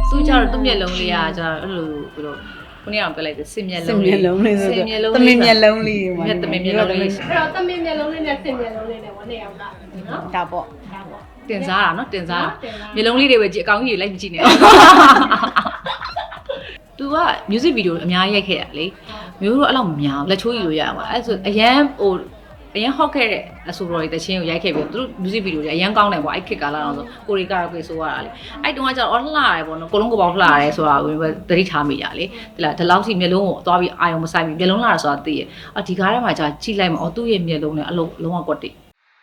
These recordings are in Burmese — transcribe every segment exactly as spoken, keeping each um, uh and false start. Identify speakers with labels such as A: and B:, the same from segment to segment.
A: သူကြတော့သူ့မျက်လုံးလေးကကျတော့အဲ့လိုဘယ်လိုခုနကပြောလိုက်တယ်စင်မျက်လုံး
B: စင်မျက်လုံးလေးဆို
A: စင်မျက်လုံး
B: တမင်မျက်လုံးလေး
A: မျက်တမင်မျက်လုံးလေး
C: အဲ့တော့တမင်မျက်လုံးလေးနဲ့စင်မျက်လုံးလေးနဲ့ဝနှစ်ယောက်ကနော်
B: ဒါပေါ့
C: ဒါပေါ့
A: တင်စားတာနော်တင်စားတာမျက်လုံးလေးတွေပဲကြည့်အကောင်းကြီးလိုက်မကြည့်နဲ့သူက music video အများကြီးရိုက်ခဲ့ရလေမျိုးတို့အဲ့လောက်မများလက်ချိုးကြီးလို့ရပါအဲ့ဆိုအရန်ဟိုအရင်ဟော့ခဲ့တဲ့အဆိုတော်တွေတချင်းကိုရိုက်ခဲ့ပြီးသူတို့ music video တွေအရင်ကောင်းတယ်ပေါ့အဲ့ခစ်ကာလာတော့ဆိုကိုရီကာရာကိုဆိုရတာလေအဲ့တုန်းကကျတော့အော်လှရတယ်ပေါ့နော်ကိုလုံးကိုပေါက်လှရတယ်ဆိုတာကိုသတိထားမိကြလေဒီလားဒီလောက်စီမျက်လုံးကိုသွားပြီးအာယုံမဆိုင်ပြီးမျက်လုံးလှတာဆိုတာသိရအော်ဒီကားထဲမှာကြာကြည့်လိုက်မှာအော်သူ့ရဲ့မျက်လုံးနဲ့အလုံးလုံးဝကွက်တိ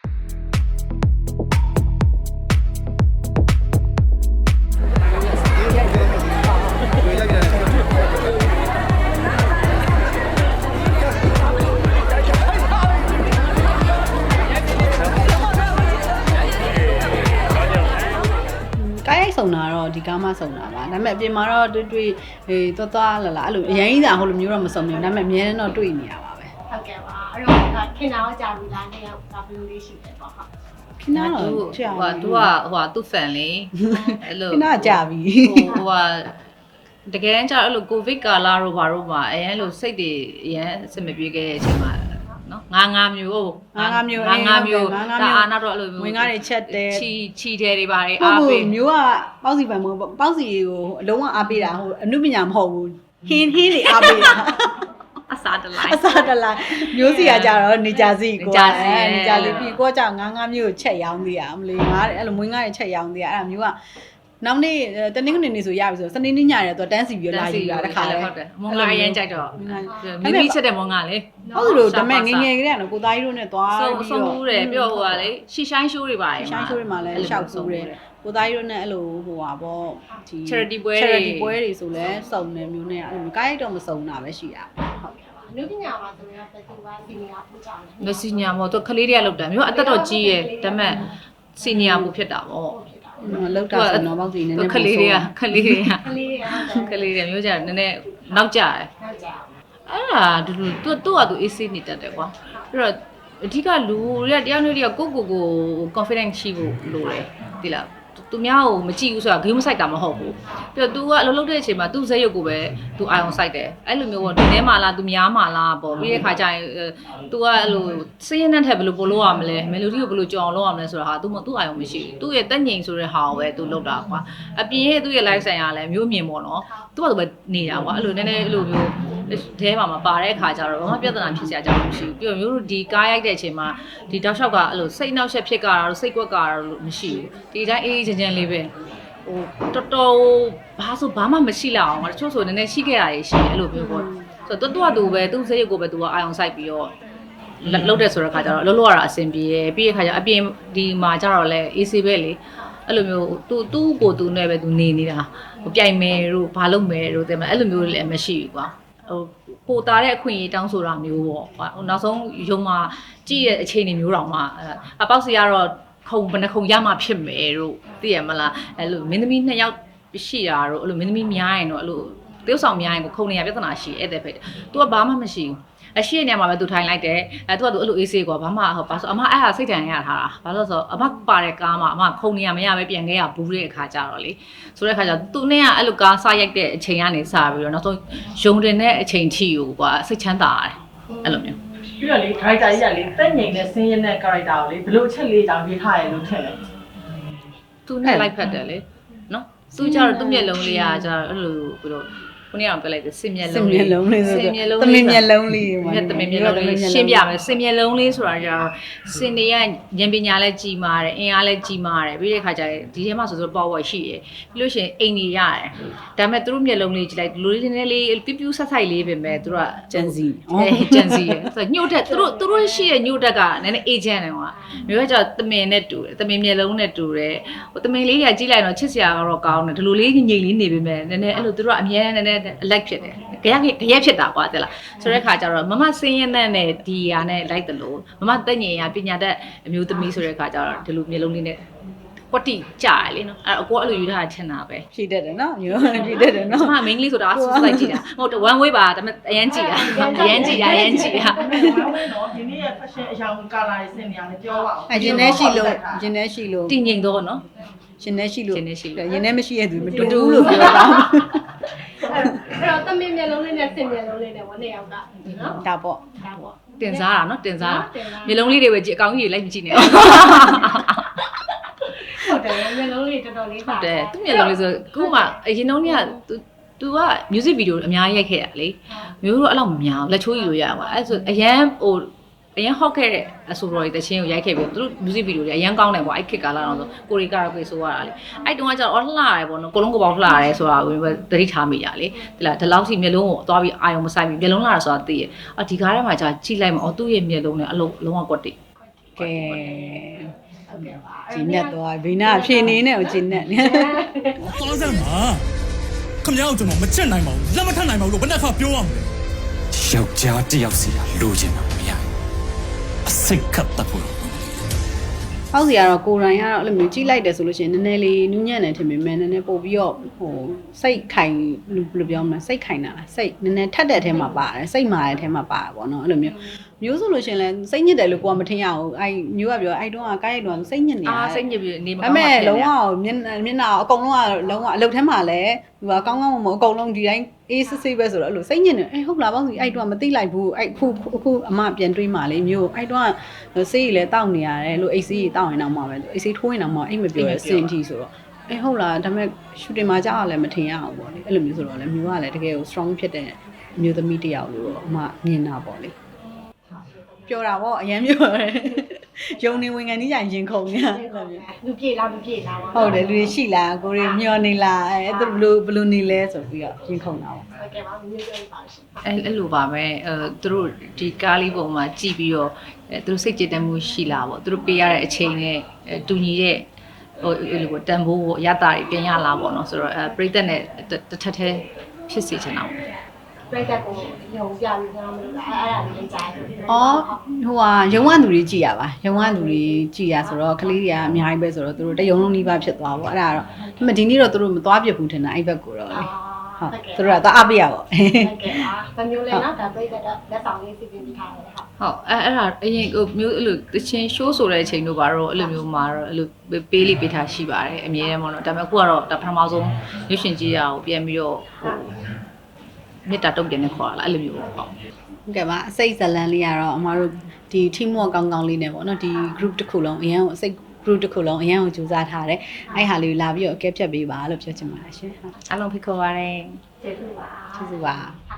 B: ဆုံတာတော့ဒီကားမှဆုံတာပါဒါပေမဲ့အပြင်မှာတော့တွေ့တွေ့ဟေးသွားသွားလာလာအဲ့လိုအရင်ကြီးသာဟိုလိုမျိုးတော့မဆုံဘူးဒါပေမဲ့အများနဲ့တော့တွေ့နေရပါပဲ
C: ဟုတ်ကဲ့ပါအဲ့တော့ခင်ဗျားကြာပြီလားနှစ်ယောက်ကဘယ်လိုလေးရှိလဲပေါ့ဟုတ်
B: ခင်ဗျားတော့ကြာ
A: ဟိုကသူကဟိုကသူ့ fan လေအဲ့လို
B: ခင်ဗျားကြာပြီ
A: ဟိုကတကယ်ကျတော့အဲ့လိုကိုဗစ်ကာလာတို့ဘာတို့မှာအရင်လိုစိတ်တွေအရင်အဆင်မပြေခဲ့တဲ့အချိန်မှာနော်ငါးငါးမျိုး
B: ငါးငါးမျိုး
A: ငါးငါးမျိုးဒါအာနောက်တော့အဲ့လိုမျိုး
B: ဝင်ကားတွေချက်တယ်
A: ချီချီတယ်တွေပါတယ်အားပေး
B: မျိုးကပေါ့စီပန်မို့ပေါ့စီကိုအလုံးဝအားပေးတာဟိုအနုပညာမဟုတ်ဘူးဟင်းဟင်းတွေအားပေးတာ
A: အစားတလိုက်
B: အစားတလိုက်မျိုးစီကကြတော့နေကြစီကို
A: နေကြစီ
B: နေကြစီပြီးကိုကကြောင့်ငါးငါးမျိုးကိုချက်ရောင်းသေးရမလို့ငါအဲ့လိုမွေးငါးတွေချက်ရောင်းသေးရအဲ့ဒါမျိုးကနောက်နေ့တနင်္ဂနွေနေ့ဆိုရပြီဆိုစနေနေ့ညရဲတော့တန်းစီပြီးလာယူတာတခါလဲ
A: ဟုတ်တယ်မွန်ငါရမ်းကြိုက်တော့မိမိချက်တဲ့မွန်ငါလေ
B: ဟုတ်လို့ဒါမဲ့ငငယ်ကလေးကတော့ကိုသားကြီးတို့နဲ့သွား
A: ဆုံး
B: ပြီး
A: ဆုံး
B: တော့
A: မှုတယ်ပြောဟိုကလေရှီရှိုင်းရှိုးတွေပါတယ်
B: ရှိုင်းရှိုးတွေမှာလည်းရှောက်ဆိုးတယ်ကိုသားကြီးတို့နဲ့အဲ့လိုဟိုပါပေါ့ဒီ
A: charity ပွဲ
B: charity ပွဲတွေဆိုလဲစုံနေမျိုးနဲ့အဲ့လိုကိုင်းတော့မစုံတာပဲရှိတာဟုတ်
C: အနုပညာမှာဆိုရင်တက်တူပါစီနီယာပူကြတယ်
A: မစီညာမို့သူကလေးတွေကလောက်တာမျိုးအသက်တော့ကြီးရဲ့ဒါမဲ့စီနီယာပူဖြစ်တာပေါ့
B: လောက်တာဆိုတော့ပေါ့စီနည်းနည်း
A: ခလေးတွေကခလေးတွေက
C: ကလေးတွေဟုတ်တယ်
A: ခလေးတွေမျိုးကြနည်းနည်းနောက်ကျတယ်
C: နောက်ကြ
A: အဲ့ဒါတူတူသူသူ့ဟာသူ အေးဆေးနေတတ်တယ်ကွာအဲ့တော့အဓိကလူတွေကတရားမျိုးတွေကကိုကိုကို confidence ရှိဖို့လိုတယ်ဒီလားသူများကိုမကြည့်ဘူးဆိုတာဂိမ်းမဆိုင်တာမဟုတ်ဘူးပြီးတော့ तू ကအလုပ်လုပ်တဲ့အချိန်မှာ तू ဇက်ရုပ်ကိုပဲ तू အာရုံစိုက်တယ်အဲ့လိုမျိုးပေါ့ဒီထဲမှာလား तू များမှာလားပေါ့ပြီးတဲ့ခါကျရင် तू ကအဲ့လိုစင်းရဲနဲ့ထက်ဘယ်လိုပို့လို့ရမလဲ melody ကိုဘယ်လိုကြောင်လို့ရမလဲဆိုတာဟာ तू မ तू အာရုံမရှိဘူး तू ရဲ့တက်ငိန်ဆိုတဲ့ဟာကိုပဲ तू လုပ်တာကွာအပြင်ရဲ့ तू ရဲ့ live ဆိုင်ရာလည်းမျိုးမြင်ပေါ့နော် तू ကသူပဲနေတာကွာအဲ့လိုနည်းနည်းအဲ့လိုမျိုးတဲမှာမပါတဲ့အခါကျတော့ဘာမှပြဿနာဖြစ်စရာအကြောင်းမရှိဘူးပြီးတော့မျိုးတို့ဒီကားရိုက်တဲ့အချိန်မှာဒီတောက်လျှောက်ကအဲ့လိုစိတ်နှောက်ယှက်ဖြစ်ကြတာတော့စိတ်ကွက်ကြတာတော့မရှိဘူးဒီတိုင်းအေးအေးချမ်းချမ်းလေးပဲဟိုတော်တော်ဘာဆိုဘာမှမရှိလောက်အောင်တချို့ဆိုနည်းနည်းရှိခဲ့တာတွေရှိတယ်အဲ့လိုမျိုးပေါ့ဆိုတော့တူတူပဲသူ့စိတ်ကိုပဲသူကအာရုံစိုက်ပြီးတော့လောက်တဲ့ဆိုတဲ့ခါကျတော့လှုပ်လှုပ်ရတာအဆင်ပြေတယ်ပြီးတဲ့ခါကျအပြင်ဒီမှာကျတော့လဲအေးဆေးပဲလေအဲ့လိုမျိုးသူသူ့ကိုသူနဲ့ပဲသူနေနေတာဟိုပြိုင်မယ်တို့ဘာလုပ်မယ်တို့တဲ့အဲ့လိုမျိုးလည်းမရှိဘူးကွာဟိုပိုတာတဲ့အခွင့်အရေးတောင်းဆိုတာမျိုးပေါ့ဟိုနောက်ဆုံးရုံမှာကြည့်ရဲ့အခြေအနေမျိုးတောင်မှအပေါက်စီကတော့ခုံဘယ်နှခုံရမှဖြစ်မယ်တို့သိရမလားအဲ့လိုမင်းသမီးနှစ်ယောက်ရှိတာတို့အဲ့လိုမင်းသမီးများရင်တော့အဲ့လိုတယောက်ဆောင်များရင်ကိုခုံနေရပြဿနာရှိအဲ့တဲ့ဖက်။ तू ကဘာမှမရှိဘူး။အရှိနေမှာပဲ तू ထိုင်လိုက်တယ်။အဲ तू က तू အဲ့လိုအေးဆေးကွာဘာမှဟောဘာဆိုအမအဲ့ဟာစိတ်တန်ရထားတာ။ဘာလို့ဆိုအမပါတဲ့ကားမှာအမခုံနေရမရပဲပြန်ခဲ့ရဘူးတဲ့အခါကြတော့လေ။ဆိုတဲ့အခါကျ तू နဲ့ကအဲ့လိုကားစားရိုက်တဲ့အချိန်ကနေစပြီးတော့နောက်ဆုံးယုံတင်တဲ့အချိန်ထိကိုကွာစိတ်ချမ်းသာရတယ်။အဲ့လိုမျိုး
D: ပြီးတော့လေ character ကြီးကလေတက်ငိန်နဲ့ဆင်းရဲတဲ့ character ကိုလေဘယ်လိုအချက်လေးကြောင့်ရေးထားရလို့ထင်လဲ
A: तू နဲ့ like ဖတ်တယ်လေနော်။ तू ကြတော့သူ့မျက်လုံးလေးကကြတော့အဲ့လိုဘယ်လိုခုနကတော့ပြောလိုက်တယ်စင်မျက်
B: စ
A: လုံး
B: င်မျက်လုံးလေးဆို
A: စင်မျက်လုံး
B: တမင်မျက်လုံးလေး
A: မျက်တမင်မျက်လုံးလေးရှင်းပြမယ်စင်မျက်လုံးလေးဆိုတာကြတော့စင်တွေကဉာဏ်ပညာလည်းကြီးမားတယ်အင်အားလည်းကြီးမားတယ်ပြီးတဲ့ခါကျရင်ဒီထဲမှာဆိုဆို power ရှိတယ်ပြီးလို့ရှိရင်အိမ်ကြီးရတယ်ဒါပေမဲ့သူတို့မျက်လုံးလေးကြည့်လိုက်လူလေးနည်းလေးပြပြဆက်ဆိုင်လေးပဲမဲ့သူတို့က
B: ဂျန်စီ
A: အဲဂျန်စီရယ်ဆိုညှို့တက်သူတို့သူတို့ရှိတဲ့ညှို့တက်ကနည်းနည်း agent တယ်ကွာမျိုးကကျတော့တမင်နဲ့တူတယ်တမင်မျက်လုံးနဲ့တူတယ်ဟိုတမင်လေးတွေကကြည့်လိုက်တော့ချစ်စရာကတော့ကောင်းတယ်ဒီလိုလေးငြိမ်လေးနေပေမဲ့နည်းနည်းအဲ့လိုသူတို့ကအမြဲတမ်းနည်းနည်း like ဖြစ်တယ်ကြရက်ကြရက်ဖြစ်တာကွာတဲ့လားဆိုတဲ့ခါကျတော့မမစင်းရဲနဲ့ဒီဟာနဲ့ like တယ်လို့မမတက်ငင်ရပညာတတ်အမျိုးသမီးဆိုတဲ့ခါကျတော့ဒီလိုမျက်လုံးလေးနဲ့ကွက်တိကြာလေနော်အဲ့အကိုအဲ့လိုယူထားချင်တာပဲ
B: ဖြည့်တတ်တယ်နော်မျိုးဖြည့်တတ်တယ်နော်
A: မမ main လေးဆိုတာဆူလိုက်ကြည့်တာဟုတ်တယ် one way ပါဒါပေမဲ့အရန်ကြည့်တာအရန်ကြည့်တာအရန်ကြည့်တာ
D: ဘာလဲနော်ဒီနေ့ရဲ့ fashion အရောင် color တွေဆင်နေရတယ်ပြောပါဦး
B: အရင်နဲ့ရှိလို့အရင်နဲ့ရှိလို့
A: တည်ငြိမ်တော့နော်
B: ရှင်နေရှိလို့
A: ရှင်နေရှိလို့
B: ရင်ထဲမရှိရသူမတူဘူးလို့ပြောတာ
C: အဲ့တော့တမင်မျက်လုံးလေးနဲ့စင်မျက်လုံးလေးနဲ့ဝနှစ်ယောက်ကနော်
B: ဒါပေါ့
C: ဒါပေါ့
A: တင်စားတာနော်တင်စားတာမျိုးလုံးလေးတွေပဲကြည့်အကောင်ကြီးတွေလိုက်မကြည့်နဲ့
C: ဟုတ်တယ်မျက်လုံးလေးတော်တော်လေး
A: ဟုတ်တယ်သူ့မျိုးလုံးလေးဆိုခုမှအရင်တုန်းက तू तू က music video အများကြီးရိုက်ခဲ့တာလေမျိုးတို့အဲ့လောက်မများလက်ချိုးယူလို့ရပါအဲ့ဆိုအရန်ဟိုအရင်ဟော့ခဲ့တဲ့အဆိုတော်တွေတချင်းကိုရိုက်ခဲ့ပြီးသူတို့ music video တွေအရင်ကောင်းတယ်ပေါ့အဲ့ခစ်ကာလာတော့ဆိုကိုရီကာကိုဆိုရတာလေအဲ့တုန်းကကျတော့အော်လှရတယ်ပေါ့နော်ကိုလုံးကပေါက်လှရတယ်ဆိုတာကိုသတိထားမိကြလေဒီလားဒီလောက်ထိမျက်လုံးကိုသွားပြီးအာယုံမဆိုင်ပြီးမျက်လုံးလှရဆိုတာသိရအော်ဒီကားထဲမှာじゃကြည့်လိုက်မှာအော်သူ့ရဲ့မျက်လုံးနဲ့အလုံးလုံးဝကွက်တိ
B: ကဲဂျင်းနဲ့တော့ဘီနာဖြည့်နေနဲ့ကိုဂျင်းနဲ့
E: သွားစမ်းပါခမရောက်ကျွန်တော်မချက်နိုင်ပါဘူးလက်မထနိုင်ပါဘူးလို့ဘယ်နှခါပြောရမလဲယောက်ျားတယောက်စီလိုချင်တာမရအစိတ်ကပ်တတ်ဖို့
B: ဟောက်စီကတော့ကိုရိုင်းကတော့အဲ့လိုမျိုးကြီးလိုက်တယ်ဆိုလို့ရှိရင်နည်းနည်းလေးနူးညံ့တယ်ထင်ပေမဲ့နည်းနည်းပို့ပြီးတော့ဟိုစိတ်ခိုင်ဘယ်လိုပြောမလဲစိတ်ခိုင်တာလားစိတ်နည်းနည်းထက်တဲ့အထဲမှာပါတယ်စိတ်မာတဲ့အထဲမှာပါတယ်ပေါ့နော်အဲ့လိုမျိုးမျိုးဆိုလို့ရှိရင်လည်းစိတ်ညစ်တယ်လို့ကိုကမထင်ရဘူးအဲ့မျိုးကပြောအဲ့တုန်းကကိုက်ရိုက်တုန်းကစိတ်ညစ်နေတာ
A: အာစိတ်ညစ်ပြီးနေမ
B: ဒါ
A: ကောင်း
B: ပေ
A: ပါ
B: မဲ့
A: ဘူး
B: လုံးဝမျက်မျက်နှာအကုန်လုံးကလုံးဝအလုပ်ထဲမှာလည်းသူကကောင်းကောင်းမမအကုန်လုံးဒီတိုင်းအေးစစ်စစ်ပဲဆိုတော့အဲ့လိုစိတ်ညစ်နေအေးဟုတ်လားပေါ့စီအဲ့တုန်းကမသိလိုက်ဘူးအဲ့ခုအခုအမပြန်တွေးမှလေမျိုးအဲ့တုန်းကဆေးကြီးလည်းတောက်နေရတယ်လို့အိတ်ဆေးကြီးတောက်ရင်တော့မှပဲအိတ်ဆေးထိုးရင်တော့မှအိတ်မပြောရစင်တီဆိုတော့အေးဟုတ်လားဒါပေမဲ့ရှူတင်မှာကြောက်ရလည်းမထင်ရအောင်ပေါ့လေအဲ့လိုမျိုးဆိုတော့လေမျိုးကလည်းတကယ်ကို strong ဖြစ်တဲ့မျိုးသမီးတစ်ယောက်လို့အမမြင်တာပေါ့လေပြောတာပေါ့အရင်ပြောတယ်ယုံနေဝင်ခံကြီးကြရင်ခုန်နေအဲ့လိုမျိုး
C: လူပြေလားလူပြေလားပေါ့
B: ဟုတ်တယ်လူတွေရှိလားကိုတွေမျောနေလားအဲသူဘယ်လိုဘယ်လိုနေလဲဆိုပြီးတော့ရင်ခုန်တာပေါ့
C: ဟုတ်ကဲ့ပါမျိုးပြောပါရှင်
A: အဲ့အဲ့လိုပါပဲအဲသူတို့ဒီကားလေးပုံမှာကြည့်ပြီးတော့အဲသူတို့စိတ်ကြည်တမ်းမှုရှိလားပေါ့သူတို့ပေးရတဲ့အချိန်နဲ့အဲတူညီတဲ့ဟိုအဲ့လိုပေါ့တန်ဖိုးကိုအရတာတွေပြင်ရလားပေါ့နော်ဆိုတော့အဲပြိသက်နဲ့တစ်ထက်ထဲဖြစ်စေချင်တာပေါ့
C: ပြိတက်ကိုရုံပြပြီးကျွန်တော်မလို့အဲ့အဲ့ဒါလေးလေးကြားတယ်
B: ။အော်ဟိုဟာရုံဝသူတွေကြည်ရပါ။ရုံဝသူတွေကြည်ရဆိုတော့ကလေးတွေကအများကြီးပဲဆိုတော့သူတို့တယုံလုံးနှီးပါဖြစ်သွားပေါ့။အဲ့ဒါတော့ဒါပေမဲ့ဒီနေ့တော့သူတို့မသွားပြဘူးထင်တာအဲ့ဘက်ကိုတော့လေ။ဟုတ်သူတို့ကတော့အပြရပေါ့
C: ဟုတ်ကဲ့ပါဗမျိုးလေးနော်ဒါပြိတက်တော့လက်ဆောင်လေးစီစဉ်ပြီးထားတယ်ဟုတ်
A: ဟုတ်အဲအဲ့ဒါအရင်ဟိုမျိုးအဲ့လိုတချင်း show ဆိုတဲ့အချိန်တို့ပါတော့အဲ့လိုမျိုးမှာတော့အဲ့လိုပေးလေးပေးထားရှိပါတယ်အမြဲတမ်းပေါ့နော်ဒါပေမဲ့အခုကတော့ဒါပထမဆုံးရွှေရှင်ကြီးရအောင်ပြန်ပြီးတော့ဟိုမြစ်တာတုတ်တင်နေခေါ်လာအဲ့လိုမျိုးပေါ့ဟုတ်
B: ။ဟုတ်ကဲ့ပါအစိတ်ဇလန်လေးကတော့အမတို့ဒီ team work ကောင်းကောင်းလေးနဲ့ပေါ့နော်ဒီ group တစ်ခုလုံးအရန်ကိုအစိတ် group တစ်ခုလုံးအရန်ကိုကြိုးစားထားတယ်။အဲ့ဟာလေးကိုလာပြီးတော့အကဲဖြတ်ပေးပါလို့ပြောချင်ပါတယ်ရှင်။ဟုတ်
A: အားလုံးဖိတ်ခေါ်ပါရစေ
C: ကျေးဇူးပါ
B: ကျေးဇူးပါ။